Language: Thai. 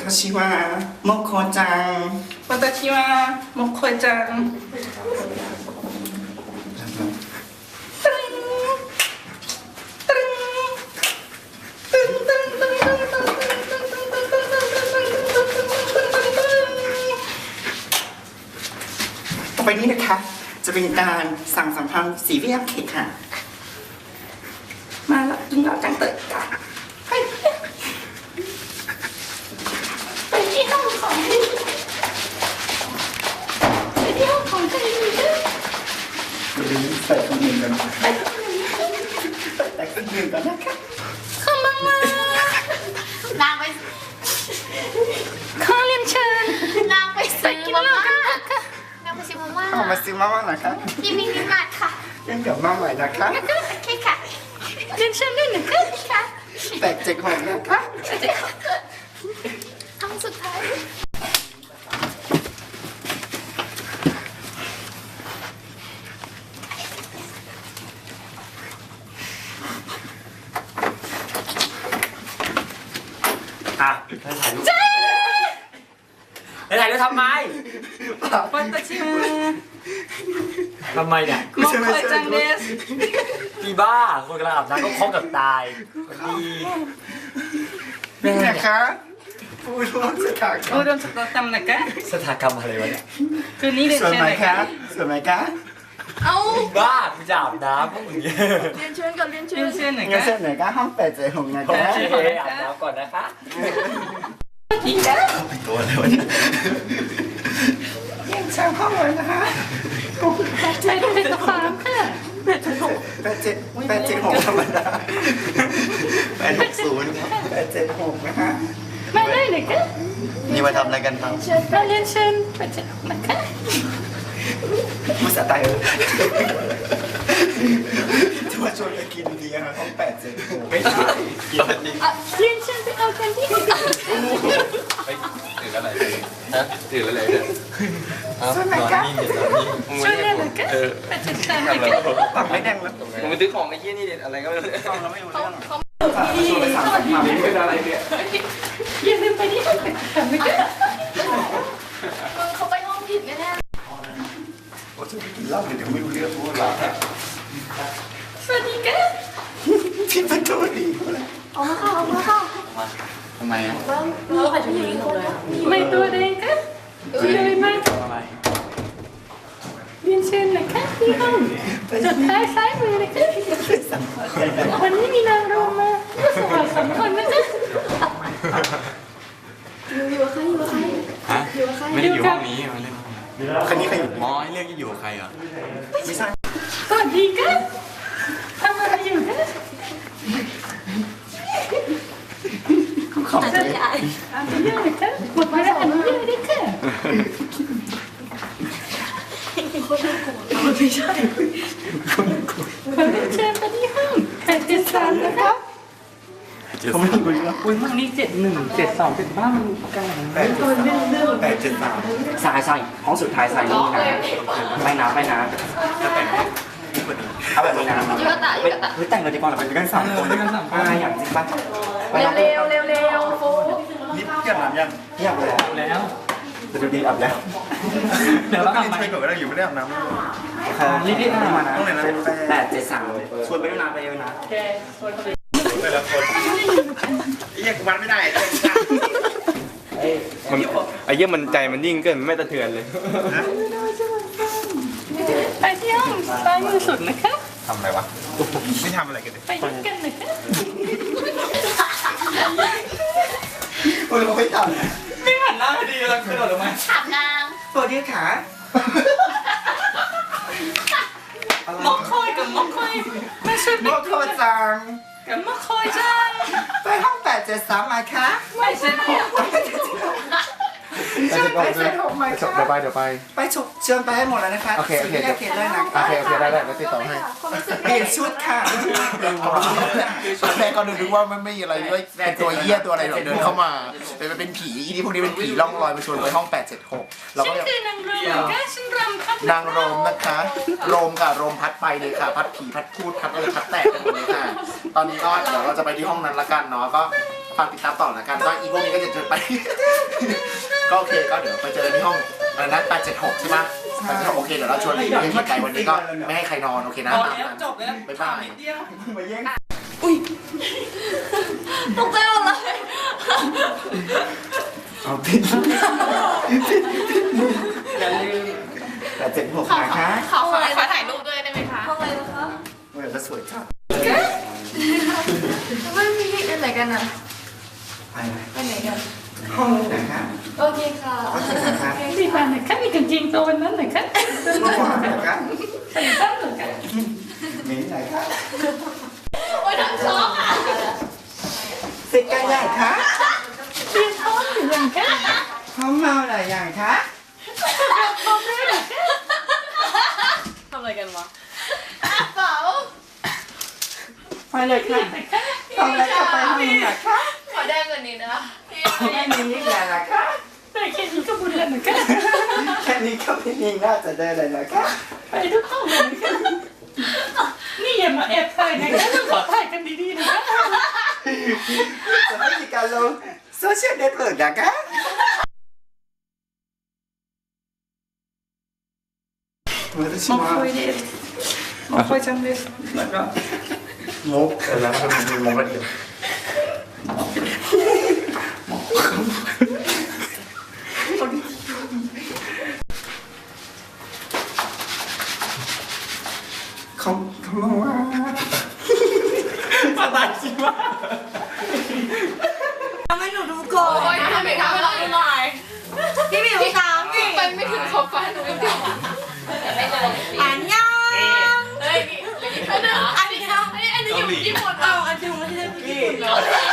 私はモコちゃん私はモコちゃんต่อไปนี้นะคะจะเป็นการสั่งสัมพันธ์สีเวียมเค้กค่ะมาแล้วกินแล้วจังเตยค่ะไปที่ห้องของไปที่ห้องของใครดีจ้ะเดี๋ยวใส่คนอื่นกันนะใส่คนอื่นกันนะคะเข้ามานางไปขอเรียนเชิญนางไปซื้อมาม่านางไปซื้อมาม่าเข้ามาซื้อมาม่าหน่อยค่ะที่มินิมาร์ทค่ะยังเดี๋ยวมาใหม่นะคะโอเคค่ะเรียนเชิญด้วยหนึ่งค่ะแต่เจ็กหงนะคะคำสุดท้ายอ่ะถ่ายรูปถ่ายรูปทำไมปัตตาชิมาทำไมเนี่ยโมโคจังเดสพี่บ้าคนกำลังอาบน้ำก็คล้องกับตายดีแม่นะเนี่ยคะผู้ร่วมสถานผู้ร่วมสตาร์ทำนะคะสถานกรรมอะไรวะเนี่ยคืนนี้เรียนสวยเชิญไหมเลยคะค่ะสวยไหมคะเอาบ้ากูจะอาบน้ำพวกมึงเนี่ยเรียนเชิญกับเรียนเชิเรียญนเชิญหน่อยเงินค่ะเส้นไหนก็ห้องเป็ดเจ๊หงนะโอคะเคอาบน้ำก่อนนะคะอีกแล้วเป็นตัวอะไรวะเนี่ยยังช่างห้องเลยนะคะไม่ได้เป็นความค่ะแปดเจ็ดหกธรรมดา860ครับ876นะคะมาได้เลยค่ะนี่มาทำอะไรกันครับมาเรียนเชิญไปเจอนะคะภาษาไทยจะมาชวนไปกินดีนะคะห้อง876ไม่ใช่กินเรียนเชิญไปเอากันที่ไปถืออะไรฮะถืออะไรเนี่ยเอานอนนิ่งเดี๋ยวนอนนิ่งมึงช่วยไม่เรียนหได้น่อยค่ะไปจัดการหน่อยค่ะปากไม่แดงแล้วมึงไปซื้อของไอ้เหี้ยนี่เด็ดอะไรก็ไม่รู้ต้องเราไม่รู้เรื่องเขาชวนไปสั่งสัมพันธ์เป็นอะไรเนี่ยอย่าลืมไปที่ห้องทำนะคะมึงเขาไปห้องผิดแน่โอ้จะกินเหล้าเดี๋ยวไม่รู้เรื่องพูดอะไรสวัสดีค่ะที่ประตูดีๆเอามาเข้าเอามาเข้าทำไมอ่ะเราไปถึงนี้เลยไม่ตัวเองค่ะช่วยมากเรียนเชิญหน่อยค่ะที่ห้องสุดท้ายซ้ายมือเลยค่ะวันนี้มีนางรำมาสวัสดี2 คนนะจ๊ะอยู่กับใครอยู่กับใครฮะอยู่กับใครไม่ได้อยู่ห้องนี้มาเล่นคันนี้ใครอยู่หมอให้เรียกอยู่กับใครอ่ะไม่ใช่สวัสดีค่ะทำอะไรอยู่คะขอบคุณใหญ่อนุญาตนะคะหมดเวลาอนุญาตได้ค่ะไม่ใช่ขอเรียนเชิญไปที่ห้อง873นะคะเขาไม่รู้เรื่องอุ้ยห้องนี้71 72 75มันกลาง 873 ใส่ห้องสุดท้ายใส่นี่นะไปน้ำเอาแบบนี้นะยูกะตะยูกะตะเฮ้ยแต่งเลยดีกว่าเราไปด้วยกัน3 คนอย่างจริงป่ะเร็วเร็วเร็วเร็วโฟนี่เกี่ยวกับยังเที่ยงเลยแล้วจะดูดีอับแล้วเดี๋ยวเราอาบไม่ใหม่ใช่ก่อนก็ได้อยู่ไม่ได้อาบน้ำรีบอาบมานะต้องไหนนะ 873ชวนไปด้วยนะไปด้วยนะแกชวนเขาไปแต่ละคนไอ้ยังวัดไม่ได้เลยมันไอ้เหี้ยมันใจมันยิ่งเกินมันไม่ตะเทือนเลยไปที่ห้องซ้ายมือสุดนะคะทำอะไรวะไม่ทำอะไรกันเลยไปด้วยกันนะคะคนเราไม่ทำไม่หันหน้าดีแล้วกระโดดลงมาถามนางตัวยืดขามอกคอยกับมอกคอยไม่ช่วยโมโคจังกับมอกคอยจังไปห้อง873มาคะไม่ใช่เนี่ยช่วยไป876มาคะเดี๋ยวไปไปฉกเชิญไปให้หมดแล้วนะคะโอเคสิ่งที่ได้เขียนเลยนะโอเคได้แล้วติดต่อให้ความรู้สึกเปลี่ยนชุดค่ะแม่ก็นึกว่ามันไม่มีอะไรด้วยเป็นตัวเหี้ยตัวอะไรเดินเข้ามาเป็นผีอีนี่พวกนี้เป็นผีล่องลอยมาชวนไปห้อง876เราฉัก็นคือนางรมค่ะฉันรำพัดนางโรมนะคะโรมกับโรมพัดไปเลยค่ะ พัดผีพัดพูดพัดอะไรพัดแตกกันหมดเลยค่ะ ตอนนี้ก็เดี๋ยวเราจะไปที่ห้องนั้นละกันเนาะก็ฝากติดตามต่อละกันก็อีพวกนี้ก็จะเจอไป ก็โอเคก็เดี๋ยวไปเจอที่ห้องอะไรนะ876ใช่ไหม876โอเคเดี๋ยวเราชวนไปกินไก่วันนี้ก็ไม่ให้ใครนอนโอเคนะจบแล้วบ๊ายบายมาแย่งตกใจหมดเลยเอาผิดอย่าลืม876นะคะขอถ่ายรูปด้วยได้ไหมคะห้องอะไรนะคะเมื่อก็สวยจัดไม่มีไปไหนกันอ่ะไปไหนไปไหนกันห้องไหนคะโอเคค่ะห้องไหนคะที่บ้านไหนคะมีกางเกงตัวนั้นไหนคะห้องไหนคะใส่ซ้ำหรือคะมิ้นไหนคะโอ้ยทั้งช็อกอ่ะสิกาใหญ่คะเตรียมพร้อมหรือยังคะห้องเมาหลายอย่างคะพร้อมแล้วเหรอคะทำอะไรกันวะเปล่าไปเลยค่ะห้องแล้วก็ไปห้องไหนคะขอได้กว่านี้นะแค่นี้แหละนะคะได้แค่นี้ก็บุญแล้วนะคะแค่นี้ก็ไม่มีน่าจะได้เลยนะคะไปทุกห้องเลยนะคะนี่อย่ามาแอบถ่ายนะคะต้องขอถ่ายกันดีๆนะคะจะไม่มีการลงโซเชียลเน็ตเวิร์กนะคะ私はもうこいちゃんですなんかมุกแล้วมันมีมุกกันอยู่เขาบอกว่าปาตาชิมะทำให้หนูดูก่อนโอ้ยทำไมทำให้เราดูหน่อยพี่หมิวตามพี่ไปไม่ถึงขอบฟ้าหนูไม่ถึงอันยังเฮ้ยอันนี้อยู่ญี่ปุ่นเอาอันนี้ไม่ใช่ญี่ปุ่นเหรอ